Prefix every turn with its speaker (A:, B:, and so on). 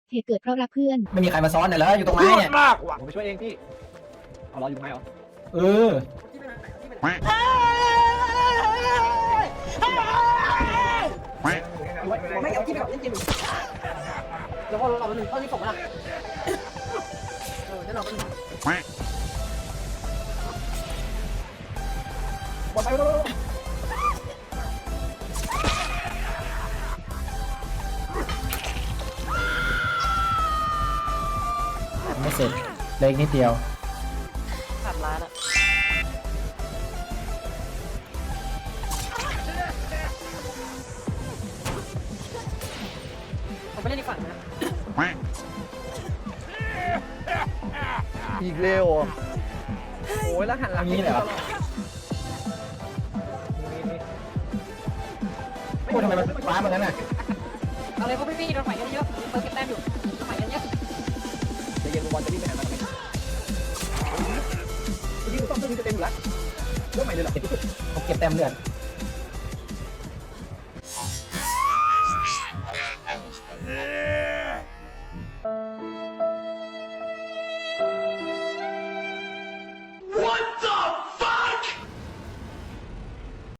A: เหตุเกิดเพราะรักเพื่อน
B: ไม่มีใครมาซ้อนเลยเหรออยู่ตรงไหนเนี่ย
C: มากว่ะผมไปช่วยเองพี่เอารออยู่ตรงไหนเหรอ
B: เออ
C: ไม่เอาที่แบบเล่นเกมแล้วพอเราหนึ่งเข้าที่ผมละแล้วเราก็บอลไปแล้ว
B: ไม่เสร็จเล็กนิดเดียว
C: ขาดล้านอ่ะผมไปเล่นอีกฝั่งนะอีกเร็วโอ้ยแล้วหันหลังนี้เลยเหรอ
B: พูดทำไมมันฟ้าเหมือนกันน่ะ
C: เอาเลยพวกพี่ๆโดนฝ่ายเยอะๆเปิดเก็บแต้มอยู่ฝ่ายเยอะๆจะเย็นบอลจะวิ่งไปหามันทำไมพี่ต้องจะวิ่งเต็มอยู่แล้วเรื่องใหม่เลยเหรอ
B: เขาเก็บแต้มเลือด